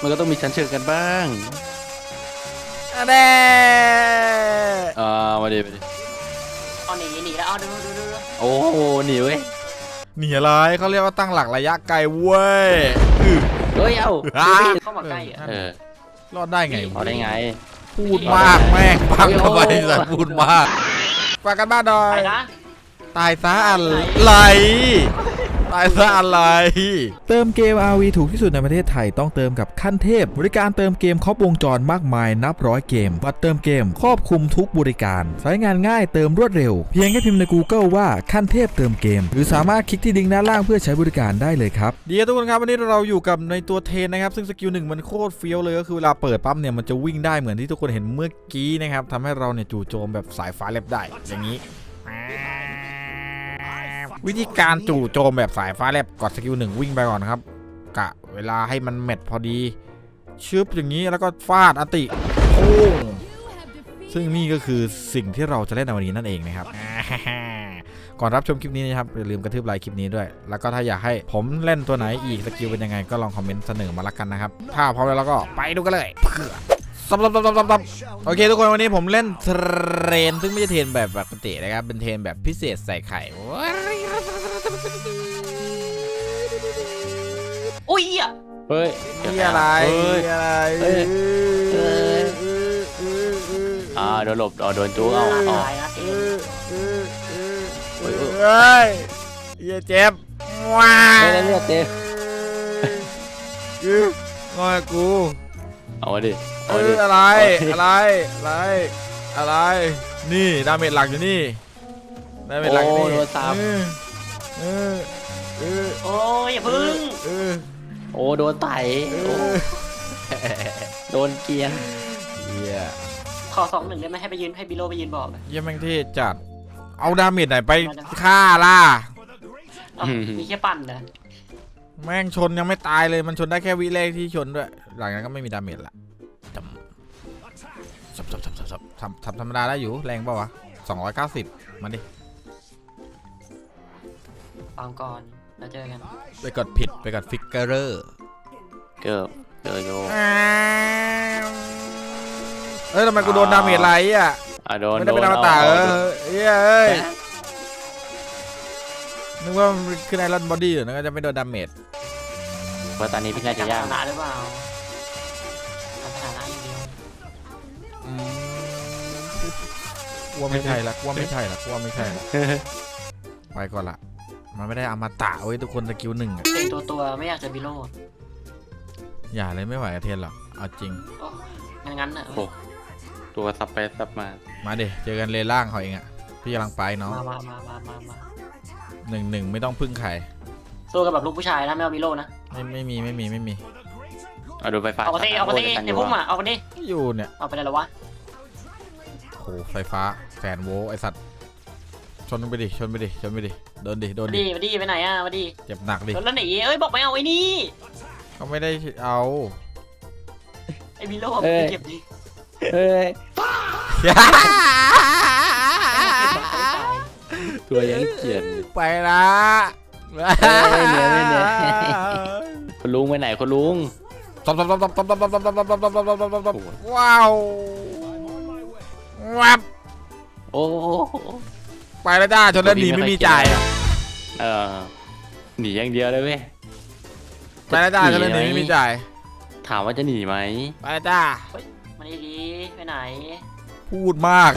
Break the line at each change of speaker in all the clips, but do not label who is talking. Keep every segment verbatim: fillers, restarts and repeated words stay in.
มันก็ต้องมีชั้นเชิงกันบ้าง
แน่
อ่ามาดิมาดิ
เอาหนีหนีแล้วเอาดูดูดู
โอ้โหหนีเว้ย
หนีอะไรเขาเรียกว่าตั้งหลักระยะไกลเว้ย
เฮ้ยเอ้า
เข้ามาใกล้อ่ะ
เออ
รอดได้ไง
รอดได้ไง
พูดมากแม่งปังทำไมสัตว์พูดมากฝากกันบ้านหน่อยตายซะอะไรตายซะอะไรเติมเกม อาร์ วี ถูกที่สุดในประเทศไทยต้องเติมกับขั้นเทพบริการเติมเกมครบวงจรมากมายนับร้อยเกมบัตรเติมเกมครอบคลุมทุกบริการใช้งานง่ายเติมรวดเร็วเพียงแค่พิมพ์ใน Google ว่าขั้นเทพเติมเกมหรือสามารถคลิกที่ลิงก์ด้านล่างเพื่อใช้บริการได้เลยครับดีทุกคนครับวันนี้เราอยู่กับในตัวเทนนะครับซึ่งสกิลหนึ่งมันโคตรเฟี้ยวเลยก็คือเวลาเปิดปั๊มเนี่ยมันจะวิ่งได้เหมือนที่ทุกคนเห็นเมื่อกี้นะครับทำให้เราเนี่ยจู่โจมแบบสายฟ้าแลบได้อย่างนี้วิธีการจู่โจมแบบสายฟ้าแลบกดสกิลหนึ่งวิ่งไปก่อนครับกะเวลาให้มันแมทพอดีชึบอย่างนี้แล้วก็ฟาดอติโอ้ซึ่งนี่ก็คือสิ่งที่เราจะเล่นในวันนี้นั่นเองนะครับก่อนรับชมคลิปนี้นะครับอย่าลืมกระทืบไลค์คลิปนี้ด้วยแล้วก็ถ้าอยากให้ผมเล่นตัวไหนอีกสกิลเป็นยังไงก็ลองคอมเมนต์เสนอมาละกันนะครับถ้าพร้อมแล้วเราก็ไปดูกันเลยซับซับซับซับซับโอเคทุกคนวันนี้ผมเล่นเทรนซึ่งไม่ใช่เทรนแบบปกตินะครับเป็นเทรนแบบพิเศษใส่ไข่
อุ้ยอ่ะ
เฮ้ย
นี่อะไรอะไร
อ่าโดนหลบอ๋อโดนจู๊เอา
ตายนะ
เฮ้ยอย่าเจ็บว้า
เลือดเต็ม
งอยกู
เอาดิ
เอออะไรอะไรอะไรอะไรนี่ดาเมจหลักอยู่นี่ดาเมจหลักอยู่นี่
โดนซ้ำ
เออเออ
โอ้ยอย่าพึ่ง
โอ้โดนไต่โดนเกียร์
เยี่ย
ขอสองหนึ่งได้ไหมให้ไปยืนให้บิโลไปยืนบอก
เยี่ยแม่งเท่จัดเอาดาเมจไหนไปฆ่าล่ะ
มีแค่ปั่นนะ
แม่งชนยังไม่ตายเลยมันชนได้แค่วิแรกที่ชนด้วยหลังนั้นก็ไม่มีดาเมจละจำสับสับสับสับทำทำธรรมดาได้อยู่แรงเปล่าวะสองร้อยเก้าสิบมาดิ
ฟังก่อนแล้วเจอกัน
ไปกดผิดไปกดฟิกเกอร์
เกิบเกิบโย
เอ้ยทำไมกูโดนดาเมจไรอ่ะไม่ได้เป็นอมตะเออเอ้ยนึกว่ามันคือไอรอนบอดี้อยู่นะก็จะไม่โดนดาเมจ
เพราะตอนนี้พี่น่าจะยาก
ชนะหรือเปล่าชนะอย่างเดียว
ว่าไม่ใช่ละว่าไม่ใช่ละว่าไม่ใช่ละไปก่อนละมันไม่ได้อมตะเว้ยทุกคนสกิลหนึ่ง
เป็นตัวตัวไม่อยากจะบิโล
อย่าเลยไม่ไหวกับเทนหรอกเอาจริง
งั้นงั้นอ่ะ
ตัวสับไปสับมา
มาดิเจอกันเลล่างเขาเองอ่ะพี่กำลังไปเนาะ
มามามามามามา
หนึ่งหนึ่งไม่ต้องพึ่งใคร
สู้กับแบบลูกผู้ชายนะไม่เอาบิโลนะ
ไม่ไม่มีไม่มีไม่มี
เอาดูไฟฟ้า
เอาไปดิเอาไปดิเดี๋ยวพุ่งมาเอาไปดิ
อยู่เนี่ย
เอาไปได้หรอวะ
โอ้ไฟฟ้าแสนโวลต์ไอสัตว์ชนไปดิชนไปดิชนไปดิโดนดิโดน
ดิมาดิไปไหนอ่ะมาดิ
เจ็บหนักดิ
แล้วหนีเอ้ยบอกไม่เอาไอ้นี่
เขาไม่ได้เอา
ไอ้บิโลเก็บดิ
เฮ้ยตัวยังเขียน
ไปละ
ไม่เหนื่อยไม่เหนื่อยคุณลุงไปไหนคุณลุง
ตบตบตบตบตบตบตบตบตบตบตบตบตบตบว้าววับ
โอ้
ไปแล้วจ้าชนแล้วหนีไม่มีจ่าย
เออหนีอย่างเดียวเลยเว้ย
ไปแล้วจ้าชนแล้วหนีไม่มีจ่าย
ถามว่าจะหนีไหม
ไปแล้วจ้า
มาดีดีไปไหน
พูดมาก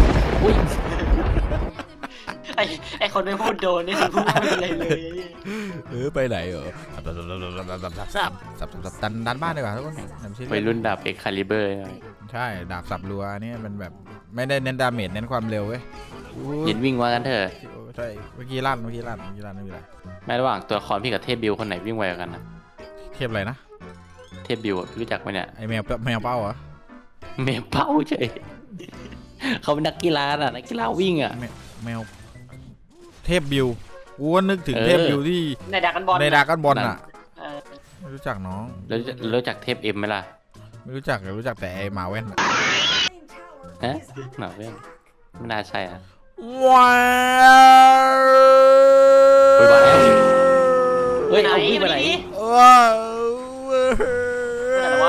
ไอไอคนไม่พูดโดนนี่คือพูดไม่อะไรเลย
เออไปไหนเหรอสับสับสับสับสับสับสับสับดันดันบ้านดีกว่าทุกคน
ไปรุ่นดาบเอ็กคาลิเบอร์
ใช่ดาบสับรัวนี่มันแบบไม่ได้เน้นดาเมจเน้นความเร็วเว้ย
ยินวิ่งว่ากันเถอะ
ใช่เมื่อกี้ลั่นเมื่อกี้ลั่นเมื่อกี้ลั่นไม่เป็นไร
แม้ระหว่างตัวคอนพี่กับเทพบิวคนไหนวิ่งไวกว่ากันนะ
เทพอะไรนะ
เทพบิวรู้จักไหมเนี่ย
ไอแมวแมวเป้าเหรอ
แมวเป้าใช่เขาเป็นนักกีฬาอ่ะนักกีฬาวิ่งอ่ะ
แมวเทพบิวกูว่านึกถึงเทพบิวที่
ในดากันบอล
ในดากันบอลอ่ะไม่รู้จักน้อง
แล้วรู้จักเทพเอ็มไหมล่ะ
ไม่รู้จักรู้จักแต่ไอหมาแว่น
ฮะหมาแว่นไม่น่าใช่อ่ะ
ว้าว
เฮ้ยเอาพี่ไปไหน
ว้าว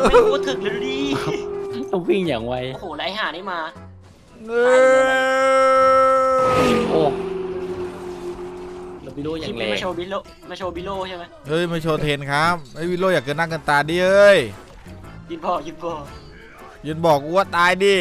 ไม่พูดถึงเลยดูดิ
ต้องวิ่งอย่างไว
โอ้โหแล้วไอ้ห่านี่มา
เออ
โอ้เราไปดูอ
ค
ย่า
ลิป
งแร
นี้
ง
มาโชว์บิโลมาโชว์บิโลใช่ไหม
เฮ้ยมาโชว์เทรนครับไอ้วิโรอยากเกินหน้าเกินตาดิเอ้ย
ยินพอยินพอ
ยืนบอกกูว่าตายดิ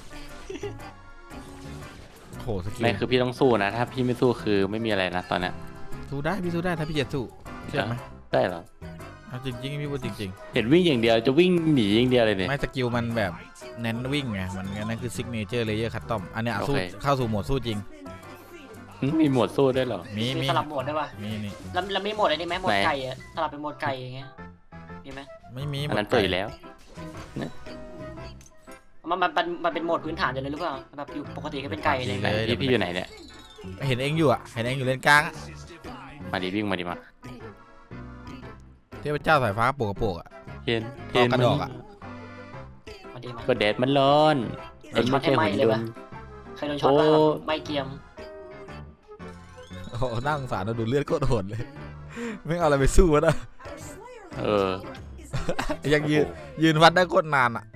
โอ้โหสกิล
ไม่คือพี่ต้องสู้นะ ถ้าพี่ไม่สู้คือไม่มีอะไรนะตอนเนี้ย
สู้ได้พี่สู้ได้ถ้าพี่จะสู้เชื่อไหม
ได้เหรอ
เอาจริงๆพี่พูดจริง
เห็นวิ่งอย่างเดียวจะวิ่งหนีอย่างเดียวเลยเนี่ย
ๆไม่สกิลมันแบบเน้นวิ่งไงมันนั่นคือซิกเนเจอร์เลเยอร์คัตตอมอันเนี้ยสู้
โอเค
เข้าสู่โหมดสู้จริง
มีหมวดสู้ด้วยเหรอ
มี
มี
มี
สลับโหมดได้ป่ะ
มีนี่
แล้วแล้วไม่โหมดอะไรนี่ไหมโหมด
ไหน
ไก่อะสลับเป็นโหมดไก่อย่างเงี้ยมีไหม
ไม่มี
อันนั้นเปิดอยู่แล้ว
มันมันมันมันเป็นโหมดพื้นฐานอยู่เลยหรือเปล่าแบบอยู่ปกติก็เป็นไก่เลย
ไหนพี่พี่อยู่ไหนเนี่ย
เห็นเองอยู่อ่ะเห็นเองอยู่เลนกลางอะ
มาดิวิ่งมาดิมา
เทพเจ้าสายฟ้าโปกกระโปกอ่ะ
เห็น
ต่อกระดอกอะ
มาดีมา
ก็แดดมันร้อนเอ็นไม่ใช่หุ่นยนต์
เคยโดนช็อตป่ะ
โอ้
ไม่เกียม
โอ้โหน่าสงสารเราดูเลือดโคตรโหดเลยไม่เอาอะไรไปสู้วะนะ
เออ
ยังยืนยืนวัดได้โคตรนานอ่ะ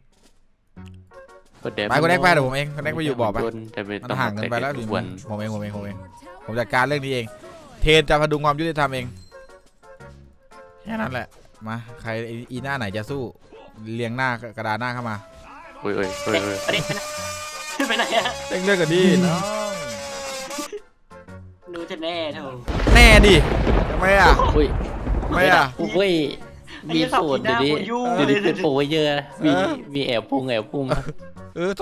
ก็แดด
ไปคนแรกไปเดี๋ยวผมเองคนแรกไปอยู่บ่อไป
แต่ไม่
มัน
ต้อง
ห่างกันไปแล้ว
ทุ
ดิ
กวัน
ผมเองผมเองผมเองผมจัดการเรื่องนี้เอง เทนจะพดุงความยุติธรรมเองแค่นั้นแหละมาใครอีหน้าไหนจะสู้เรียงหน้ากระดานหน้าเข้ามา
โอ้ยโอ้ยโอ้ย
เด็ก
โอ้ย
เด็กไปไหนอะ
เร่งเลือกกันดิน้อง
ดูจะแน่เถอะ
แน่ดิทำไมอ่ะ
อุ้ย
ทำไมอ่ะ
อุ้ยมีสูตรเดี๋ยวนี้เดี๋ยวนี้เป็นโปรเยอะมีมีแอบพุ่งแอบพุ่ง
เออ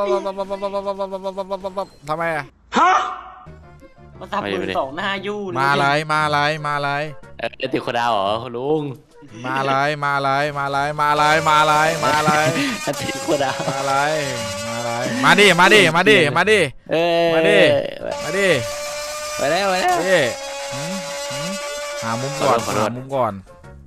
ทำไมอ่ะ
มาซับมือสองหน้ายู่เลย
มาอะไรมาอะไรมาอะไร
เออติดโคดาวเหรอคุณลุง
มาอะไรมาอะไรมาอะไรมาอะไรมาอะไรมาอะไร
ติดโคดาว
มาอะไรมาอะไรมาดิมาดิมาดิมาดิ
เออ
มาดิ มาดิ
ไปแล้วไปแล้ว
ดิหามุมก่อนหามุมก่อน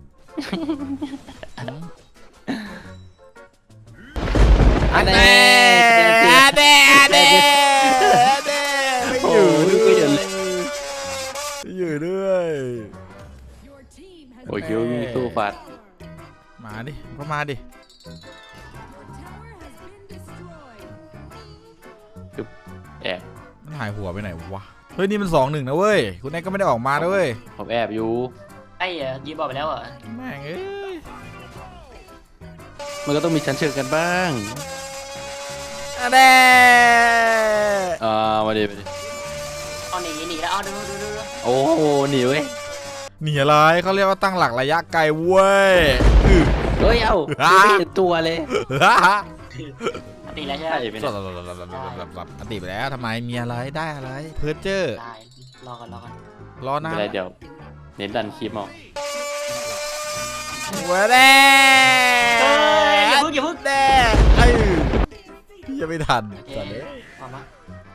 อันเน่อันเน่อันเน่อันเน่ไม่อยู่ด้วยอยู่ด้วย
โอ้ยคิวมีสู้ฟัด
มาดิก็มาดิ
แอบ
มันหายหัวไปไหนวะเฮ้ยนี่มันสองหนึ่งนะเว้ยคุณแอ๊กก็ไม่ได้ออกมานะเว้ย
ผมแอบอยู่
ไอ้อะยืมบอกไปแล้วเหรอ
แม่งเอ้ย
มันก็ต้องมีชั้นเชิงกันบ้าง
อันเน่
อ่ามาดิมาดิ
เอาหนีหนีแล้วเอาดูดูดู
โอ้โหหนีเว้ย
หนีอะไรเขาเรียกว่าตั้งหลักระยะไกลเว้ยอื้อ
เฮ้ยเอ้าไม่เห็นตัวเลย
หนีแล้วใช่ไหม
ใช่ไหมเนี่ย
อดีตไปแล้วทำไมมีอะไรได้อะไรเพิร์เจอร์
ได้รอก่อนรอก่อน
รอ
ไม่
นะ
เป็นไรเดี๋ยวเน้นดันคลิปเอา
เว้ยแน่
เฮ้ยอย่าพึ่งอย่าพึ่ง
แน่เอ้ยพี่จะไม่ทัน
เอ๊ะมามา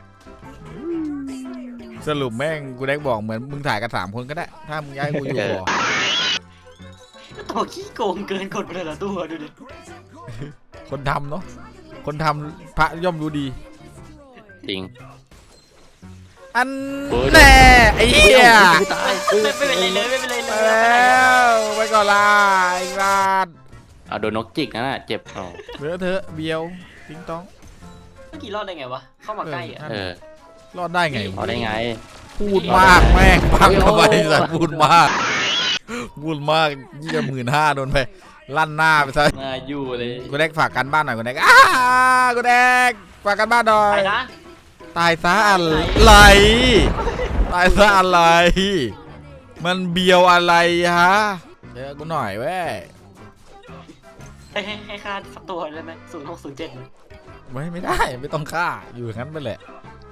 สรุปแม่งกูได้บอกเหมือนมึงถ่ายกันสามคนก็ได้ถ้ามึงย้ายกูอยู่บ่อ
ตัวขี้โกงเกินกดไปเลยละตัวดูดิ
คนทำเนาะคนทำพระย่อมรู้ดี
จริง
อันแน่ไอ้เหี้ย
ไม่ตาย
ไม่เป็นไรเลยไม่เป็นไรเล
ไป
ย
แล้วไปก่อนละไอ้บ้าน
เอาโดนนกจิกนะน่ะเจ็บอ๋อ
เหลือเธอะเบียวติ๊งต้อง
เมื่อกี้รอดได้ไงวะเข้ามาใกล้อ่ะ
เออ
รอดได้ไง
เอาได้ไง
พูดมากแม่งพังทำไมสัตว์พูดมากพูดมากยี่หมื่นห้าโดนไปลั่นหน้าไปซะ
มาอยู่เลย
กูแดกฝากกันบ้านหน่อยกูแดกอ้ากูแดกฝากกันบ้านหน่อ
ไป
ย
นะ
ตายซะอะไรตายซะอะไร มันเบียวอะไรฮะเจอกูหน่อยเว้ย
ให้ให้ให้ค่าสักตัวได้ไหมศูนย์หกศูนย์เจ็ด
ไม่ไม่ได้ไม่ต้องฆ่าอยู่อย่างนั้นไปแหละ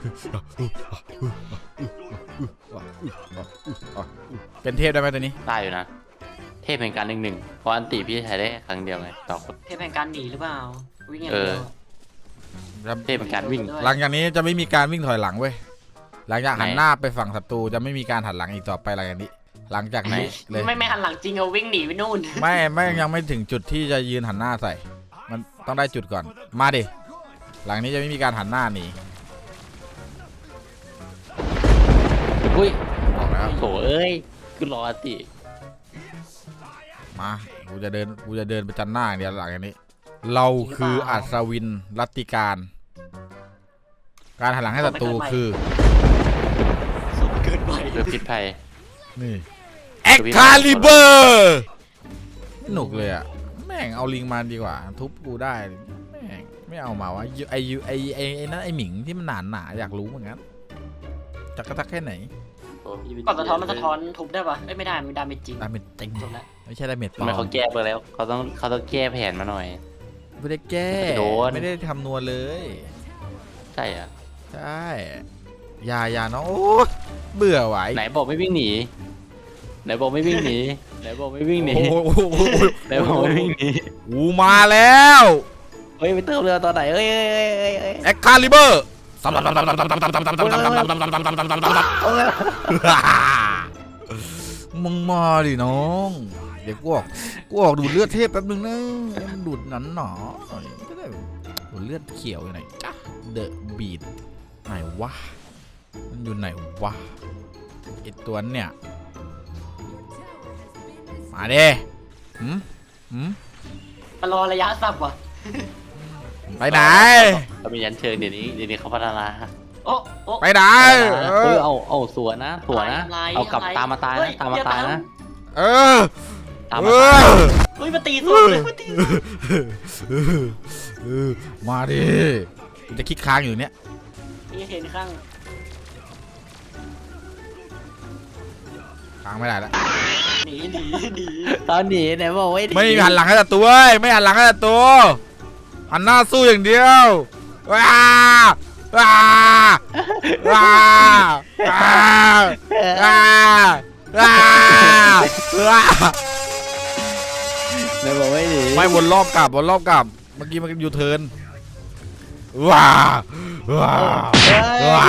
เป็นเทพได้ไหมตัวนี้
ตายอยู่นะ เทพแห่งการหนึ่งหนึ่งเพราะอันติพี่ใช้ได้แค่ครั้งเดียวไงต่อคน
เทพแห่งการหนีหรือเปล่าวิ่งอย่าง
เอ
เดี
อ
ยว
เทพแห่งการวิ่ง
หลังจากนี้จะไม่มีการวิ่งถอยหลังเว้ยหลังจากหัน
ไหน
หน้าไปฝั่งศัตรูจะไม่มีการหันหลังอีกต่อไปหลังจากนี้ หลังจากนี้เลย
ไม่ไม่หันหลังจริงเอาวิ่งหนีไปนู่น
ไม่ไม่ยังไม่ถึงจุดที่จะยืนหันหน้าใส่ มันต้องได้จุดก่อนมาดิหลังนี้จะไม่มีการหันหน้าหนี
อุ้ย
บอกแล้ว
โถเอ้ยกูรออันติ
มากูจะเดินกูจะเดินไปจันหน้าอย่างเดียวหลังจากนี้เราคืออัศวินรัตติการการหันหลังให้ศัตรูคือ
สุดเกินไป
เรือพิษภัย
นี่เอ็กคาลิเบอร์ไม่หนุกเลยอ่ะแม่งเอาลิงมาดีกว่าทุบกูได้แม่งไม่เอามาวะไอยูไอไอไอนั่นไอหมิงที่มันหนาหนาอยากรู้เหมือนกันจักกระตักแค่ไหน
ก่อนสะท้อนมันสะท้อนทุบได้ปะไม่ได้มันดาเมจจริง
ดาเมจจริง
จบแล้ว
ไม่ใช่ดาเมจปลอ
ทำไมเขา
ม
แก้ไปแล้วเขาต้องเขาต้องแก้แผนมาหน่อย
ไม่ได้แก้
โดน
ไม่ได้ทำนัวเลย
ใช่อ่ะ
ใช่อย่าอย่าน้องโอ้เบื่อไหว
ไหนบอกไม่วิ่งหนีไหนบอกไม่วิ่งหนีไหนบอกไม่วิ่งหนี
โอ้โห
ไหนบอกไม่วิ่งหนี
กูมาแล้ว
เฮ้ยไปเติมเรือตอนไหนเอ้ยเอ้ยเอ้ยเอ้ยเอ้ย
เอ็กคาลิเบอร์มึงมาดิน้องเดี๋ยวกูออกกูออกดูดเลือดเทพแป๊บนึงนะมันดูดหนันหนอหน่อยก็ได้ดูดเลือดเขียวอยู่ไหนจ้ะเดอะบีดไหนวะมันอยู่ไหนวะไอตัวเนี่ยมาเด้หืมหืม
มารอระยะสับว่ะ
ไปไหน
เขามียันเชิงเดี๋ยวนี้เดี๋ยวนี้เขาพัฒนา
โอ้โอ้
ไปไหน
เออเอาเอาสวนนะสวนนะ
อะไร
เอากลับ
อะไร
ตามมาตาย
เฮ้
นะ
ย
ตามมา
อย่า
ตาย
ตาม
นะ
เออ
ตาม
เอ
มาตาย
อ
เฮ้ยมาตีสุดเลยมาตี
เออมาดิกูจะคิดค้างอยู่เนี่ย
นี่เห็นข้าง
ค้างไม่ได้แล้ว
หนีหนีหนี
ตอนหนีไหนบอกไม่
ไม่หันหลังให้ศัตรูเว้ยไม่หันหลังให้ศัตรูหันหน้าสู้อย่างเดียวว้าว้าว้าว้าว้าว้าว้า
ไหนบอกไม่หนี
ไม่วนรอบกลับวนรอบกลับเมื่อกี้มันยูเทิร์นว้าว้าว้า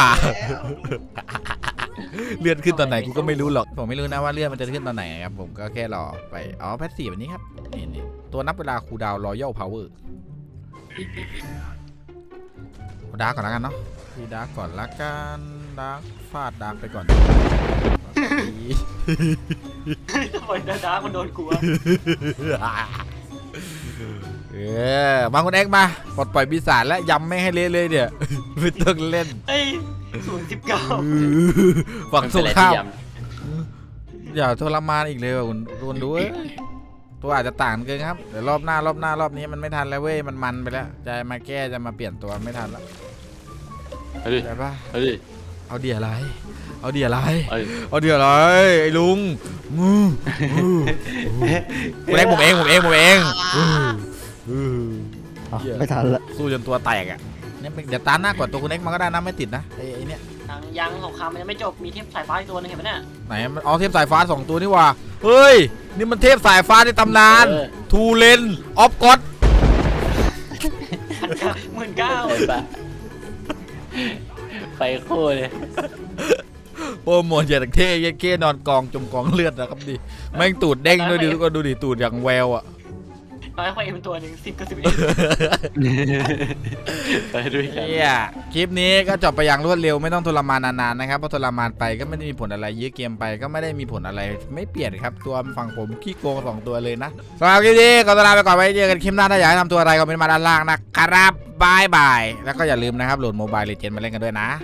เลื่อนขึ้นตอนไหนกูก็ไม่รู้หรอกผมไม่รู้นะว่าเลื่อนมันจะขึ้นตอนไหนครับผมก็แค่รอไปอ๋อแพทสี่แบบนี้ครับนี่นี่ตัวนับเวลาคูลดาวน์รอยัลพาวเวอร์ดาร์กก่อนแล้วกันเนาะพี่ดาร์กก่อนละกันดาร์กฟาดดาร์กไปก่อน
ทำไมดาดามันโดนกลัว
เออมาคุณเอ็กมาปลดปล่อยปีศาจและยำไม่ให้เละเลยเนี่ยไม่ต้องเล่น
เฮ้ยศูนย์สิบเก้า
ฝั่ง
มัน
สุ
เป็นอะไร
ข้า
ที่
วย อย่าทรมานอีกเลยว่ะคุณคุณดูเว้ยตัวอาจจะต่างเกินครับเดี๋ยวรอบหน้ารอบหน้ารอบนี้มันไม่ทันแล้วเว้ยมันมันไปแล้วจะมาแก้จะมาเปลี่ยนตัวไม่ทันแล้ว
ำเฮ้ย
ใช่ปะ
เฮ้ย
เอาเดียอะไรเอาเดียอะไร
เฮ้ย
เอาเดียอะไรไอ้ลุงมือมือคุณเอ็กผมเองผมเองผมเองไม่ทันละสู้จนตัวแตกอ่ะเนี่ยเดี๋ยวตาหน้ากดตัวคุณเอ็กมันก็ได้นะไม่ติดนะไอ้ไอ้เนี่ย
ยังยังสงครามมันยังไม่จบมีเทพสายฟ้าอีกตัวนึงเห็นไหมเนี่ย
ไหนมันเอาเทพสายฟ้าสองตัวนี่ว่าเฮ้ยนี่มันเทพสายฟ้าในตำนานทูเลนออฟก็อด
หมื่นเก้า
เห็นปะไปคู่เลย
โอ้โหเจ็ดเท่เย้เก้นอนกองจมกองเลือดนะครับดิแม่งตูดเด้งด้วยดิทุกคนดูดิตูดอย่างแววอ่ะ
น้อยกว่าเอ็มตัวหนึ่งสิบกับสิบเอ็ด
ไปด้วยกัน
เนี่ยคลิปนี้ก็จบไปอย่างรวดเร็วไม่ต้องทรมานนานๆนะครับเพราะทรมานไปก็ไม่ได้มีผลอะไรยื้อเกมไปก็ไม่ได้มีผลอะไรไม่เปลี่ยนครับตัวฝั่งผมขี้โกงสองตัวเลยนะสำหรับคลิปนี้ก็ลาไปก่อนไว้เจอกันคลิปหน้าถ้าอยากให้ทำตัวอะไรก็เป็นมาด้านล่างนะครับบายบายแล้วก็อย่าลืมนะครับโหลดโมบายเลเจนด์มาเล่นกันด้วยนะ